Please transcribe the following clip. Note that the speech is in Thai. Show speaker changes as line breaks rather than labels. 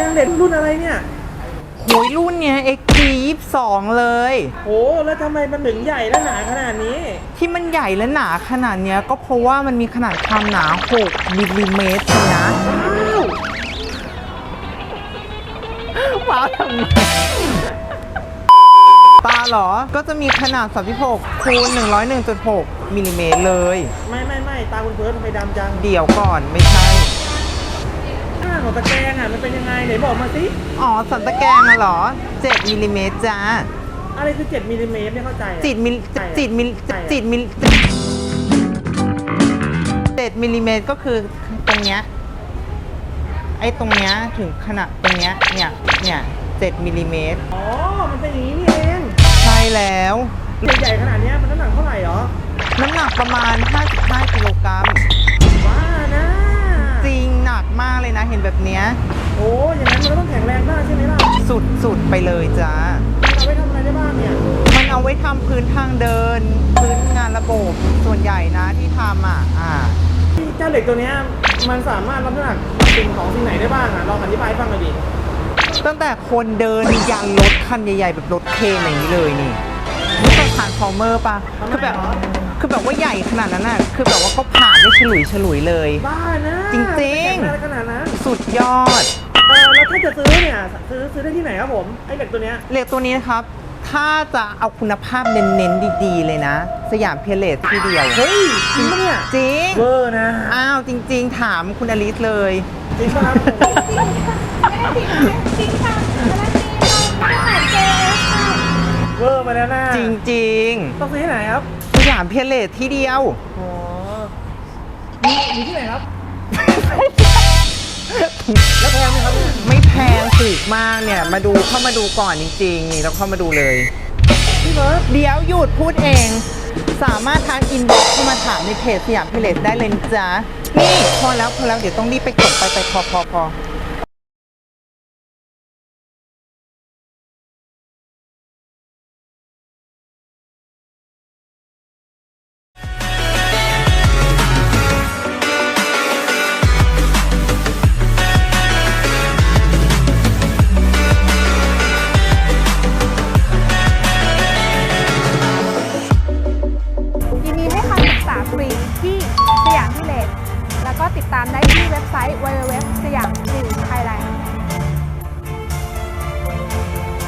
งเด็ดรุ่นอะไรเนี่ย
โหยรุ่นเนี้ย XT22 เลย
โอ้แล้วทำไมมันถึงใหญ่และหนาขนาดนี้
ที่มันใหญ่และหนาขนาดเนี้ยก็เพราะว่ามันมีขนาดความหนา6มิลลิเมตรนะว้าวทำไมตาเหรอก็จะมีขนาด36คูณ101.6มิลลิเมตรเลย
ไม่ตาคุณเพิร์ททำไมดำจัง
เดี๋ยวก่อนไม่ใช่
ข้างของตะแกรงอ่ะมันเป็นยังไงไหนบอกมาสิ
อ๋อสันตะแกรงอะเหรอ7มิลลิเมตรจ้า
อะไรคือ7มิลลิเมตรไม่เข้าใจ
7มิล7มิลลิเมตรก็คือตรงเนี้ยไอ้ตรงเนี้ยถึงขนาดตรงเนี้ยเนี่ย7มิลลิเมตร
อ๋อมันเป็นอย่างนี้นี่เอง
ใช่แล้ว
ใหญ่ขนาดนี้มันน้ำหนักเท่าไหร่หรอ
น้ำหนักประมาณ55กิโลกรัม
ว้านะ
จริงหนักมากเลยนะเห็นแบบเนี้ย
โอ้อย่างนั้นมันก็ต้องแข็งแรงมากใช่ไหมล่ะ
สุดไปเลยจ้า
เอาไว้ทำอะไรได้บ้างเนี่ย
มันเอาไว้ทำพื้นทางเดินพื้นงานระบบส่วนใหญ่นะที่ทำ
เจ้าเหล็กตัวนี้มันสามารถรับน้ำหนักสิ่งของสิ่งไหนได้บ้างอ่ะลองอธิบายให้ฟังหน่อยดิ
ตั้งแต่คนเดินยันรถคันใหญ่ๆแบบรถเครนอย่างนี้เลยนี่รู้จักทรานส์ฟอร์เมอร์ปะคือแบบว่าใหญ่ขนาดนั้นน่ะคือแบบว่าเขาผ่านได้ฉลุยเลย
บ้านะ
จริง
ขนาดนั้น
สุดยอด
แล้วถ้าจะซื้อเนี่ยซื้อได้ที่ไหนครับผมไอ้เหล็กตัวนี้
นะครับถ้าจะเอาคุณภาพเน้นๆดีๆเลยนะสยามเพเลสที่เดียว
เฮ้ยจริงปะเนี่ย
จริง
เวอร์นะ
อ้าวจริงๆถามคุณอลิสเลย
จริงป่ะครับ
จริงค่ะแล้วนี่เราไม่ขายเจค่ะ
เวอร์มาแล้วนะ
จริง
ๆต้องซื้อที่ไหนครับ
สยามเพเลสที่เดียว
อ๋อมีที่ไหนครับแล้วแพงไหมครับเนี่ย
ไม่แพงถูกมากเนี่ยเข้ามาดูก่อนจริงๆนี่เราเข้ามาดูเลย
พี่เบิร์ด
เดี๋ยวหยุดพูดเองสามารถทางอินบ็อกซ์เข้ามาถามในเพจสยามเพเลสได้เลยจ้านี่พอแล้วเดี๋ยวต้องรีบไปกดไปพอ
ยินดีให้คำปรึกษาฟรี